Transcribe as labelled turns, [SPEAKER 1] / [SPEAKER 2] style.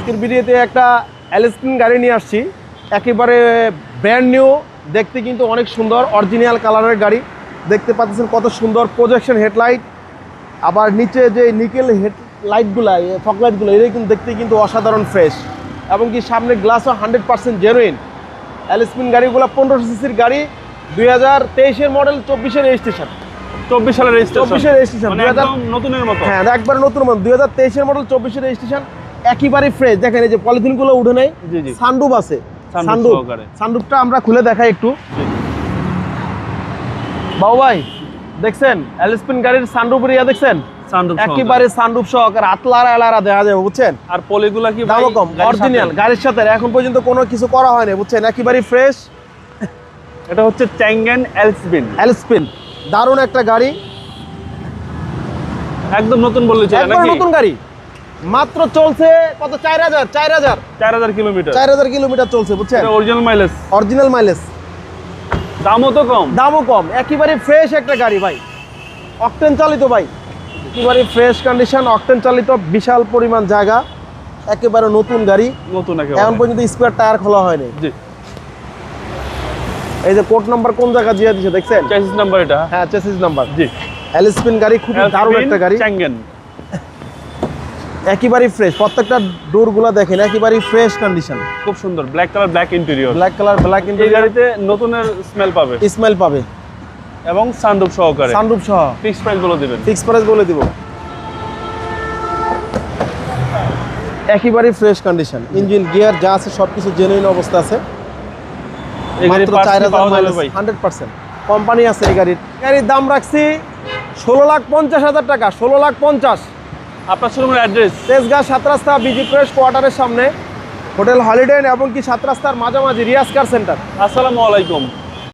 [SPEAKER 1] আজকের ভিডিওতে একটা এলএসপিন গাড়ি নিয়ে আসছি, একেবারে ব্র্যান্ড নিউ, দেখতে কিন্তু অনেক সুন্দর, অরিজিনাল কালারের গাড়ি। দেখতে পাচ্ছেন কত সুন্দর প্রজেকশন হেডলাইট, আবার নিচে যে নিকেল হেডলাইটগুলো, ফকলাইটগুলো, এটা কিন্তু দেখতে কিন্তু অসাধারণ ফ্রেশ, এবং কি সামনের গ্লাসও 100% জেনুইন। এলএসপিন গাড়িগুলো 1500 সিসির গাড়ি, 2023-এর মডেল, 24-এর রেজিস্ট্রেশন।
[SPEAKER 2] 24 সালের রেজিস্ট্রেশন,
[SPEAKER 1] 24-এর রেজিস্ট্রেশন,
[SPEAKER 2] মানে একদম নতুনের মতো।
[SPEAKER 1] হ্যাঁ, একবার নতুন মডেল, 2023-এর মডেল, 24-এর রেজিস্ট্রেশন, একেবারে ফ্রেশ। দেখেন এই যে পলিথিনগুলো উঠে নেই, সানরুফ আছে, সানরুফটা আমরা খুলে দেখাই একটু। বাবু ভাই দেখছেন এলএসপিন গাড়ির সানরুফের ইয়া দেখছেন, একেবারে সানরুফ সহকারে আতলারা এলারা দেখা যাবে, বুঝছেন।
[SPEAKER 2] আর পলিগুলা কি
[SPEAKER 1] দামও কম, অরিজিনাল গাড়ির সাথে এখন পর্যন্ত কোনো কিছু করা হয়নি, বুঝছেন, একেবারে ফ্রেশ।
[SPEAKER 2] এটা হচ্ছে ট্যাঙ্গেন
[SPEAKER 1] এলএসপিন, দারুণ একটা গাড়ি,
[SPEAKER 2] একদম নতুন বললে চলে নাকি?
[SPEAKER 1] নতুন গাড়ি, মাত্র চলছে কত, 4000 কিলোমিটার, 4000 কিলোমিটার চলছে, বুঝছেন। অরিজিনাল মাইলেজ,
[SPEAKER 2] দামও তো কম,
[SPEAKER 1] একেবারে ফ্রেশ একটা গাড়ি ভাই, অকটেন চালিত ভাই, একেবারে ফ্রেশ কন্ডিশন, অকটেন চালিত, বিশাল পরিমাণ জায়গা, একেবারে নতুন গাড়ি, এখন পর্যন্ত স্পেয়ার টায়ার খোলা হয়নি।
[SPEAKER 2] জি,
[SPEAKER 1] এই যে কোড নাম্বার কোন জায়গা দিয়ে দিয়েছে দেখছেন,
[SPEAKER 2] চেসিস নাম্বার এটা,
[SPEAKER 1] হ্যাঁ চেসিস নাম্বার।
[SPEAKER 2] জি,
[SPEAKER 1] এলএসপিন গাড়ি, খুব দারুণ একটা গাড়ি,
[SPEAKER 2] ট্যাঙ্গেন,
[SPEAKER 1] একেবারে ফ্রেশ, প্রত্যেকটা ডোরগুলো দেখেন একেবারে ফ্রেশ কন্ডিশন,
[SPEAKER 2] খুব সুন্দর, ব্ল্যাক কালার, ব্ল্যাক ইন্টেরিয়র,
[SPEAKER 1] এই
[SPEAKER 2] গাড়িতে নতুনের স্মেল পাবে এবং সানরুফ সহকারে,
[SPEAKER 1] সানরুফ সহ।
[SPEAKER 2] ফিক্স প্রাইস বলে দিবেন,
[SPEAKER 1] ফিক্স প্রাইস বলে দিব, একেবারে ফ্রেশ কন্ডিশন, ইঞ্জিন গিয়ার যা আছে সবকিছু জেনুইন অবস্থা আছে। মাত্র 4000 মাইলেজ, 100% কোম্পানি আছে এই গাড়ির দাম রাখছি 16,50,000 টাকা, 16,50,000।
[SPEAKER 2] আপনার শোরুমের অ্যাড্রেস
[SPEAKER 1] তেজগাঁ 7 রাস্তা বিজি প্রেস কোয়ার্টারের সামনে, হোটেল হলিডে এবং কি 7 রাস্তার মাঝামাঝি রিয়াজ কার সেন্টার।
[SPEAKER 2] আসসালামু আলাইকুম।